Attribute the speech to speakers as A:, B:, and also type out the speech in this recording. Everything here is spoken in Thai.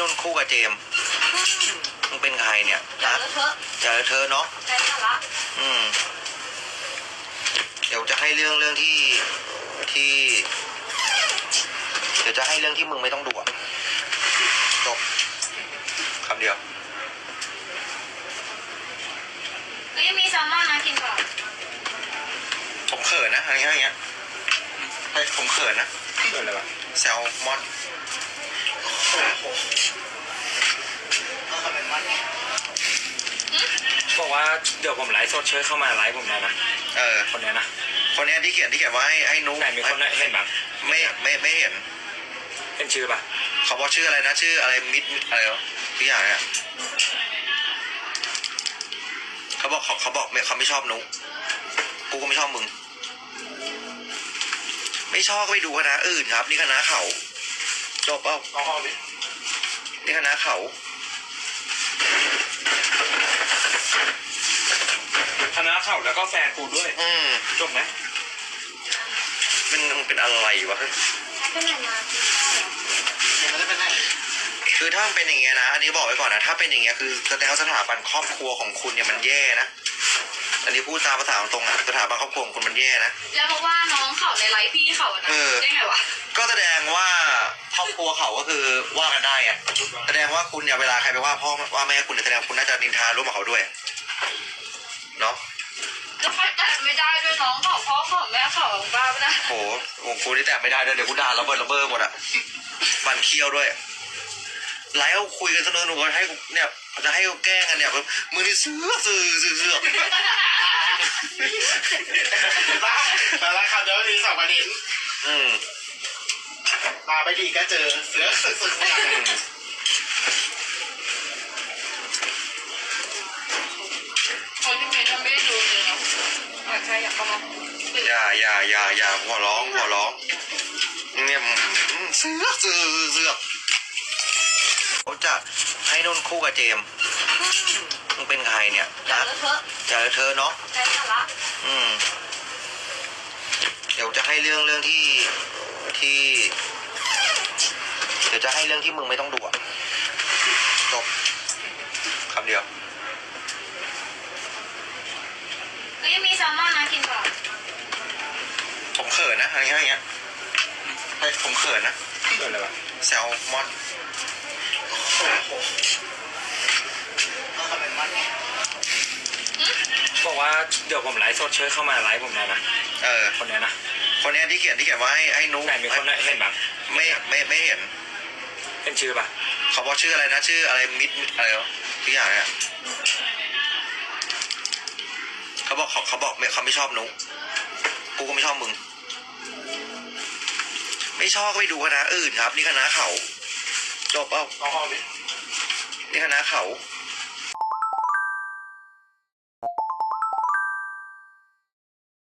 A: นุ่นคู่กับเจมมึงเป็นใครเนี่ยนะอย่าเธอเนาะเดี๋ยวจะให้เรื่องที่เดี๋ยวจะให้เรื่องที่มึงไม่ต้องดูจบคำเดียว
B: ก็ยังมีแซลมอนนะกินก่อน
A: ผมเขินนะอะไรเงี้ยผมเขินนะเขินอะไรวะแซลมอน
C: บอกว่าเดี๋ยวผมไลฟ์สดเชิญเข้ามาไลฟ์ผมเลยนะคนนี้นะ
A: คนนี้ที่เขียนว่าให้นุ๊ก
C: ไหนมีคนเห็นบ้าง
A: ไม่เห็น
C: ชื่อป่ะ
A: เขาบอกชื่ออะไรนะชื่ออะไรมิดอะไรทุกอย่างเนี่ยเขาบอกเขาไม่ชอบนุ๊กกูก็ไม่ชอบมึงไม่ชอบก็ไปดูคณะอื่นครับนี่คณะเขาจบเปล่านี่คณะเขา
C: คณะเขาแล้วก็แฟนกูด้วยจบไหม
A: มันเป็นอะไรวะ
B: เป็นไหนมา
A: คือถ้ามันเป็นอย่างเงี้ยนะอันนี้บอกไว้ก่อนนะถ้าเป็นอย่างเงี้ยคือแสดงว่าสถาบันครอบครัวของคุณเนี่ยมันแย่นะอันนี้พูดตามภาษาตรงๆสถาบันครอบครัวของคุณมันแย่นะ
B: แล้วเพราะว่าน้องเขาในไลฟ์พี่เขานะได้ไงวะ
A: ก็แสดงว่าครอบครัวเขาก็คือว่ากันได้อะแสดงว่าคุณเนี่ยเวลาใครไปว่าพ่อว่าแม่คุณแสดงคุณน่าจะนินทาร่วมกับเขาด้วยเนาะ
B: แล้วเขาแต่ไม่ได้ด้วยน้องเขาพ่อเขาแม่เขาบ้าปะนะ
A: โหกูนี่แต่ไม่ได้ด้วยเดี๋ยวกูด่าระเบิดหมดอะปั่นเคี้ยวด้วยไลฟ์คุยกันเสนอหนูให้เนี่ยจะให้แกล้งกันเนี่ยมือนี่เสือ
D: แล้วคำเดียวนี้2 ประเด็นมาไปดีก็เจอเสือสึก
B: คนที่ไม่ทำไม่ได้ดูเลยเนาะใครอยากเข้ามา
A: อย่าหัวร้องเนี่ยเสือเขาจะให้นุ่นคู่กับเจมมึงเป็นใครเนี่ยนะอย่าเธอเนาะเดี๋ยวจะให้เรื่องที่เดี๋ยวจะให้เรื่องที่มึงไม่ต้องดูจบคำเดียว
B: ก็ยังมีแซลมอนนะกินก่อน
A: ผมเขินนะอะไรเงี้ยผมเขินนะ
C: เขินอะไรวะ
A: แซลมอน
C: บอกว่าเดี๋ยวผมไลฟ์สดเชิญเข้ามาไลฟ์ผมเลยนะคนนี้นะ
A: คนนี้ที่เขียนว่าให้นุ๊ก
C: ไหนมีคนเห็นบ้าง
A: ไม่เห็น
C: ชื่อป่ะ
A: เขาบอกชื่ออะไรนะชื่ออะไรมิดอะไรทุกอย่างเนี่ยเขาบอกเขาไม่ชอบนุ๊กกูก็ไม่ชอบมึงไม่ชอบก็ไปดูคณะอื่นครับนี่คณะเขาจบเปล่านี่คณะเขา